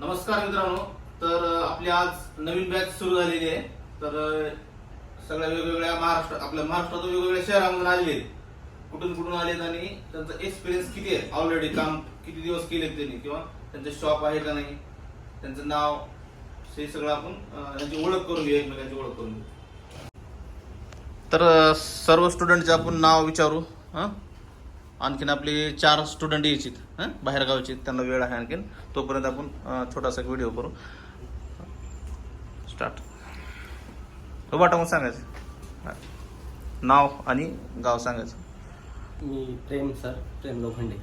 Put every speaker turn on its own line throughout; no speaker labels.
नमस्कार मित्रांनो. तर आपली आज नवीन बॅच सुरू झालेली आहे. तर सगळ्या वेगवेगळ्या आपल्या महाराष्ट्रातून वेगवेगळ्या शहरामधून आलेले आहेत. कुठून आलेत आणि त्यांचा एक्सपिरियन्स किती आहे, ऑलरेडी काम किती दिवस केलेत त्यांनी, किंवा त्यांचं शॉप आहे का नाही, त्यांचं नाव, हे सगळं आपण त्यांची ओळख करून घेऊ, एकमेकांची ओळख करून घेऊ. तर सर्व स्टुडंटचे आपण नाव विचारू. आणखीन आपले 4 स्टुडंट यायचे बाहेर गावचे, त्यांना वेळ आहे आणखीन. तोपर्यंत आपण छोटासा व्हिडिओ करू. स्टार्ट. वाटा मग सांगायचं नाव आणि गाव सांगायचं.
मी प्रेम लोखंडे,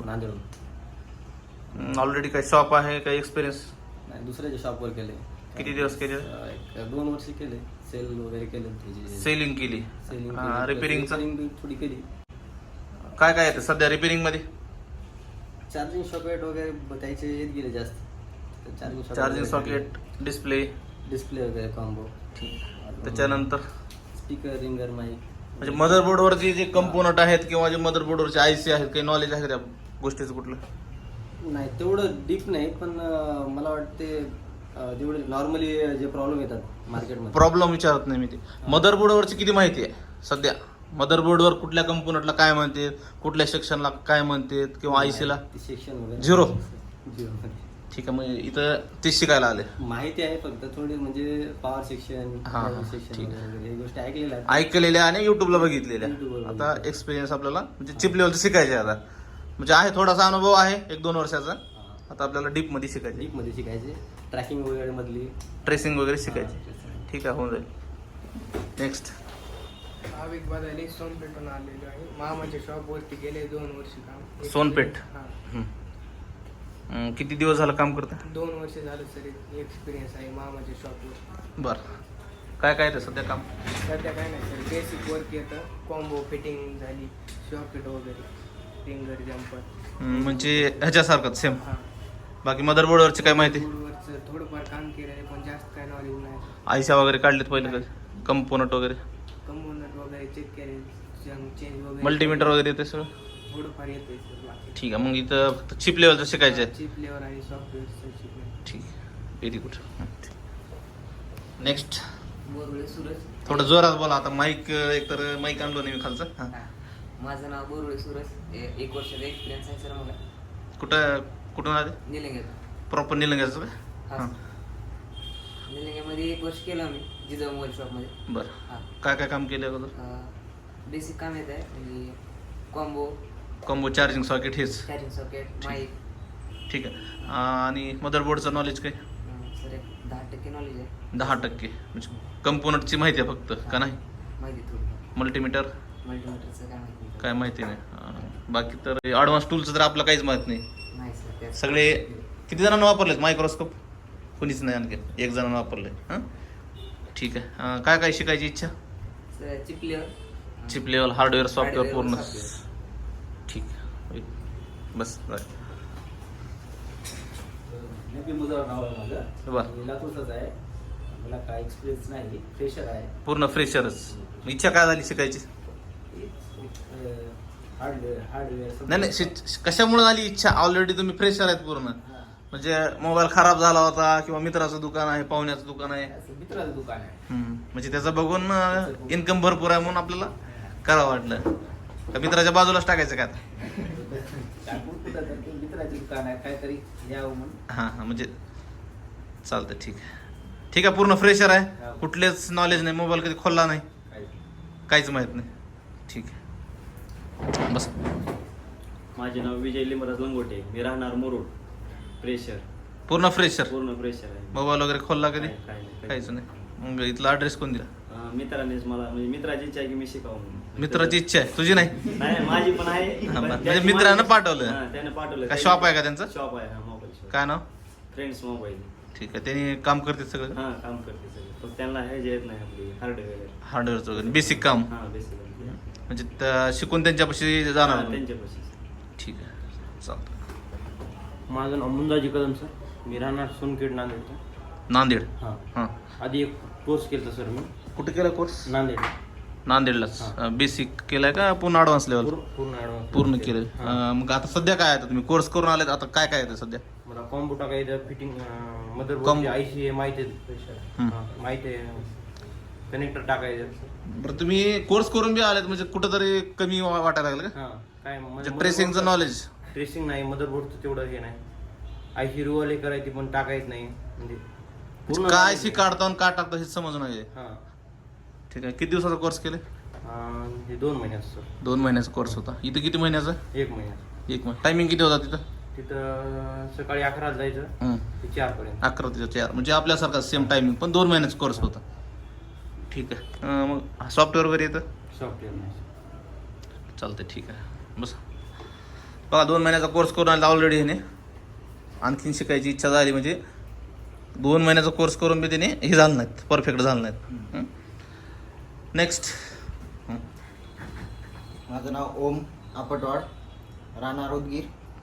नांदेड.
ऑलरेडी काही शॉप आहे, काही एक्सपिरियन्स?
नाही, दुसऱ्याच्या शॉपवर केले.
किती दिवस केले?
2 वर्ष केले. सेल वगैरे केले,
सेलिंग केली, रिपेअरिंग
थोडी केली.
काय काय येतं सध्या रिपेअरिंग मध्ये?
चार्जिंग सॉकेट वगैरे त्याचे येत गेले जास्त.
चार्जिंग सॉकेट, डिस्प्ले
वगैरे कॉम्बो.
त्याच्यानंतर
स्पीकर, रिंगर, माईक.
म्हणजे मदरबोर्डवरचे जे कंपोनंट आहेत किंवा जे मदरबोर्डवरचे आयसी आहेत, काही नॉलेज आहे त्या गोष्टीचं कुठलं?
नाही, तेवढं डीप नाही, पण मला वाटते जेवढे नॉर्मली जे प्रॉब्लेम येतात मार्केटमध्ये.
प्रॉब्लेम विचारत नाही मी. ते मदरबोर्डवरची किती माहिती आहे सध्या? मदरबोर्डवर कुठल्या कंपोनंटला काय म्हणते, कुठल्या सेक्शनला काय म्हणते, किंवा आयसीला
सेक्शन वगैरे
0.
0.
ठीक आहे, मग इथं ते शिकायला आले.
माहिती आहे फक्त थोडी, म्हणजे पॉवर सेक्शन, सेक्शन
ठीक
वगैरे हे गोष्टी ऐकलेल्या आहेत.
ऐकलेल्या आणि युट्यूबला बघितलेल्या.
YouTubeवर
आता एक्सपिरियन्स आपल्याला म्हणजे चिप लेवलचं शिकायचं आहे आता. म्हणजे आहे थोडासा अनुभव आहे 1-2 वर्षाचा. आता आपल्याला डीप मध्ये शिकायचे.
डीप मध्ये शिकायचे. ट्रॅकिंग वगैरे मधली
ट्रेसिंग वगैरे शिकायची. ठीक आहे, होऊन जाईल. नेक्स्ट.
भाविक बदाले सोनपेठून आलेलो आहे. मामाच्या शॉपवरती गेले 2 वर्ष काम.
सोनपेठ. किती दिवस झालं काम करता?
2 वर्ष झालं सर. एक्सपिरियन्स आहे मामाच्या शॉपवर.
बरं. काय काय येतं सध्या काम?
सध्या काय नाही सर, बेसिक वर्क येतं. कॉम्बो फिटिंग झाली, सॉकेट वगैरे, फिंगर जम्पर,
म्हणजे ह्याच्यासारखं सेम.
हां.
बाकी मदरबोर्डवरची काय माहिती?
बोर्डवरचं थोडंफार काम केलं आहे, पण जास्त काय नॉलेज नाही.
आयशा वगैरे काढलेत पहिले कधी? कंपोनंट वगैरे,
कंपोनंट वगैरे चेक केले, चेंज वगैरे,
मल्टीमीटर वगैरे येते सगळं?
थोडंफार येते सर. बाकी
ठीक आहे, मग इथं फक्त चिप लेवलचं शिकायचं आहे.
चिप लेवर आणि सॉफ्टवेअरचं शिकणं.
ठीक आहे, very good. Next.
Borule Suraj.
थोडं जोरात बोला. आता माईक एकतर माईक आणलो नाही मी खालचं. हां.
माझं नाव बोरुळे सूरज. 1 वर्षाचा एक्सपिरियन्स आहे सर मला.
कुठून आले?
निलंग्यात.
प्रॉपर निलंग्याचं का?
हा.
हां.
निलंग्यामध्ये 1 वर्ष केलं आम्ही जिजाऊ मोबाईल शॉपमध्ये.
बरं.
हां.
काय काय काम केलं अगोदर?
बेसिक काम येत आहे, म्हणजे कॉम्बो,
चार्जिंग सॉकेट हेच.
Charging socket, mic.
ठीक आहे. आणि मदरबोर्डचं नॉलेज काय?
सर एक 10% नॉलेज आहे.
10%. म्हणजे कंपोनंटची माहिती आहे फक्त का नाही?
माहिती थोडी.
मल्टीमीटर
मल्टीमीटरचं काय माहिती नाही.
काय माहिती नाही. बाकी तर ॲडव्हान्स टूलचं तर आपलं काहीच माहित नाही.
नाही सर, त्यात
सगळे किती जणांना वापरलेत मायक्रोस्कोप? कोणीच नाही, आणखी 1 जणांना वापरले. हां, ठीक आहे. काय काय शिकायची इच्छा?
सर चिपलेवर.
Chip level, hardware, software
Hardware,
पूर्ण.
software.
ठीक आहे, बस.
मुजर नाव आहे माझं.
बरं.
मी लातूरचाच आहे. मला काय एक्सपिरियन्स नाही, फ्रेशर आहे.
पूर्ण फ्रेशरच. इच्छा काय झाली शिकायची?
हार्डवेअर
नाही, कशामुळे झाली इच्छा? ऑलरेडी तुम्ही फ्रेशर आहेत पूर्ण. म्हणजे मोबाईल खराब झाला होता, किंवा मित्राचं दुकान आहे, पाहुण्याचं दुकान आहे,
मित्राचं दुकान आहे.
म्हणजे त्याचं बघून इन्कम भरपूर आहे म्हणून आपल्याला करावं वाटलं. का मित्राच्या बाजूलाच टाकायचं का आता?
मित्राचे दुकान आहे, काहीतरी यावं म्हणून.
हां, म्हणजे चालतं. ठीक आहे, ठीक आहे. पूर्ण फ्रेशर आहे, कुठलेच नॉलेज नाही, मोबाईल कधी खोलला नाही, काहीच माहित नाही. ठीक आहे, बस.
माझे नाव विजय लिंबराज लंगोटे. मी राहणार मुरुड. फ्रेशर.
पूर्ण फ्रेशर.
पूर्ण फ्रेशर आहे.
मोबाईल वगैरे खोलला कधी?
काही
काहीच नाही. मग इथला ॲड्रेस कोण दिला?
मित्रानेच मला, म्हणजे मित्राची इच्छा आहे की मी शिकावं म्हणून.
मित्राची इच्छा आहे, तुझी नाही?
नाही, माझी पण आहे.
हा,
पण
म्हणजे
त्याची
मित्रानं
माझी-
पाठवलं?
हा, त्याने पाठवलं.
काय शॉप आहे का त्यांचं?
शॉप आहे, हा, मोबाईल शॉप.
काय नाव?
Friends mobile.
ठीक आहे, त्यांनी काम करते सगळं?
हा, काम करते सगळे. फक्त त्यांना हे जे येत नाही आपली हार्डवेअर.
हार्डवेअरचं वगैरे बेसिक काम.
हा, बेसिक.
म्हणजे शिकून त्यांच्यापाशी जाणार तुम्ही?
त्यांच्यापाशी.
ठीक आहे, चालतं.
माझं नाव मुंदाजी कदम सर. मी राहणार सोनखेड, नांदेड.
नांदेड.
हां.
हां.
आधी एक कोर्स केला सर मी
कुठे केला कोर्स?
नांदेड.
नांदेडलाच बेसिक केलाय का पूर्ण ॲडव्हान्स लेवल
पूर्ण ॲडव्हान्स
पूर्ण केलंय मग आता सध्या काय आहे तुम्ही कोर्स करून आले आता काय काय आहे सध्या
मला कॉम्बो टाकायचं फिटिंग मदरबोर्ड
Combo.
आयसी आहे माहिती आहे माहिती आहे कनेक्टर टाकायचं.
बरं तुम्ही कोर्स करून बी आलेत म्हणजे कुठंतरी कमी वाटायला लागलं का
हां काय
म्हणजे ट्रेसिंगचं नॉलेज
ट्रेसिंग नाही मदरबोर्डचं तेवढं हे नाही आयसी रुवाले करायची पण टाकायच नाही म्हणजे
काय शी काढतो आणि काय टाकतो हे समजून आहे
हां
ठीक आहे किती दिवसाचा कोर्स केले
हे 2 महिन्याचं सर
2 महिन्याचा कोर्स होता इथं किती महिन्याचा
1 महिन्याचं.
1 महिना टायमिंग किती होता तिथं
तिथं सकाळी 11 जायचं ते 4 पर्यंत
11 ते 4 म्हणजे आपल्यासारखा सेम टायमिंग पण 2 महिन्याचा कोर्स होता ठीक आहे मग सॉफ्टवेअर वगैरे येतं
सॉफ्टवेअर नाही
चालतंय ठीक आहे बस बघा 2 महिन्याचा कोर्स करून आला ऑलरेडी ह्याने आणखीन शिकायची इच्छा झाली म्हणजे 2 महिन्याचा कोर्स करून बी त्याने हे झालं नाहीत परफेक्ट झालं नाहीत नेक्स्ट
माझं नाव ओम आपटवाड राहणार उदगीर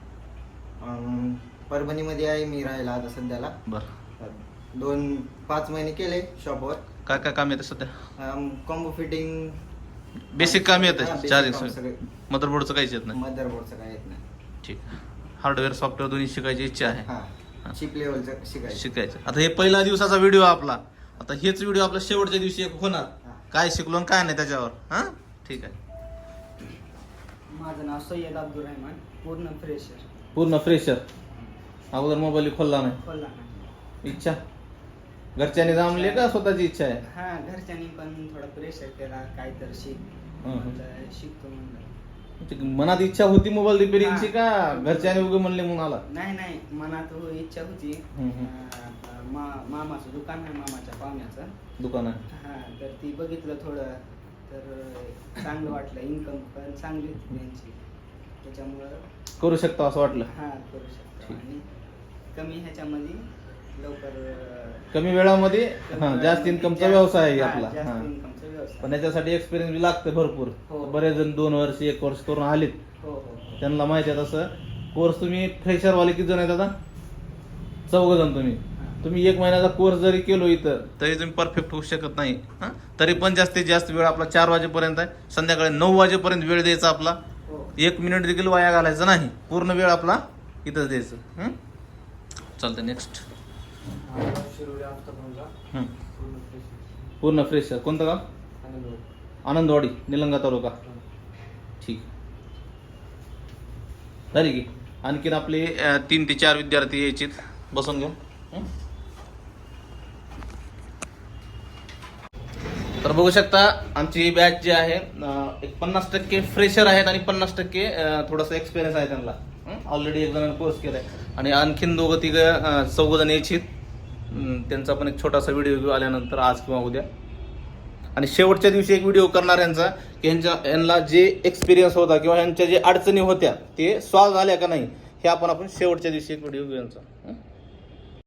परभणीमध्ये आहे मी राहायला आता सध्याला
बरं
5 महिने केले शॉपवर
काय काय काम येतं सध्या
कॉम्बो फिटिंग
बेसिक काम येतं
हा, basic
चार्जिंग
काम सगळे.
मदरबोर्डचं काहीच येत नाही
मदरबोर्डचं काय येत नाही
ठीक हार्डवेअर सॉफ्टवेअर दोन्ही शिकायची इच्छा आहे
हा चिप लेवलचं शिकायचं
शिकायचं आता हे पहिला दिवसाचा व्हिडिओ आपला आता हेच व्हिडिओ आपला शेवटच्या दिवशी एक होणार
हा.
काय शिकलो आणि काय नाही त्याच्यावर हा ठीक आहे
माझं नाव सय्यद अब्दुल रहमान पूर्ण फ्रेशर
पूर्ण फ्रेशर अगोदर मोबाईल खोलला नाही
खोला नाही
इच्छा घरच्याने जमले का स्वतःची इच्छा आहे
हा घरच्यांनी पण थोडा प्रेशर केला काय तर शिक म्हणलं शिकतो म्हणलं
म्हणजे मनात इच्छा होती मोबाईल रिपेअरिंगची का घरच्याने उगे म्हणले म्हणून आला
नाही मनात इच्छा होती मामाचं दुकान आहे मामाच्या पाहुण्याचं
दुकान आहे
हा तर ती बघितलं थोडं तर चांगलं वाटलं इन्कम पण चांगली होती त्यांची त्याच्यामुळं
करू शकतो असं वाटलं
हा करू शकतो
ठीक.
आणि कमी ह्याच्यामध्ये लवकर
कमी वेळामध्ये हा जास्त इन्कमचा व्यवसाय आहे
हा,
आपला
जास्त
हा
इन्कमचा व्यवसाय
पण याच्यासाठी एक्सपिरियन्स बी लागतं भरपूर
हो.
बरेच जण 2 वर्ष 1 वर्ष करून आलेत
हो
त्यांना माहिती आहे तसं कोर्स तुम्ही फ्रेशर वाले किती जण आहेत आता 4 जण तुम्ही 1 महिन्याचा कोर्स जरी केलो इथं तरी तुम्ही परफेक्ट होऊ शकत नाही हा तरी पण जास्तीत जास्त वेळ आपला 4 वाजेपर्यंत आहे संध्याकाळी 9 वाजेपर्यंत वेळ द्यायचा आपला
हो
1 मिनिट देखील वाया घालायचा नाही पूर्ण वेळ आपला इथंच द्यायचं चालतं नेक्स्ट पूर्ण फ्रेशर कोणतं गाव आनंदवाडी निलंगा तालुका ठीक झाली की आणखीन आपले 3 ते 4 विद्यार्थी यायचे बसून घेऊन तर बघू शकता आमची बॅच जी आहे एक 50% फ्रेशर आहेत आणि 50% थोडासा एक्सपिरियन्स आहे त्यांना ऑलरेडी 1 जणांनी कोर्स केलाय आणि आणखीन 2-3 जण यायची त्यांचा पण एक छोटासा व्हिडिओ आल्यानंतर आज किंवा उद्या आणि शेवटच्या दिवशी एक व्हिडिओ करणार यांचा की यांना जे एक्सपिरियन्स होता किंवा यांच्या जे अडचणी होत्या ते सॉल्व्ह झाल्या का नाही हे आपण शेवटच्या दिवशी एक व्हिडिओ घेऊ यांचा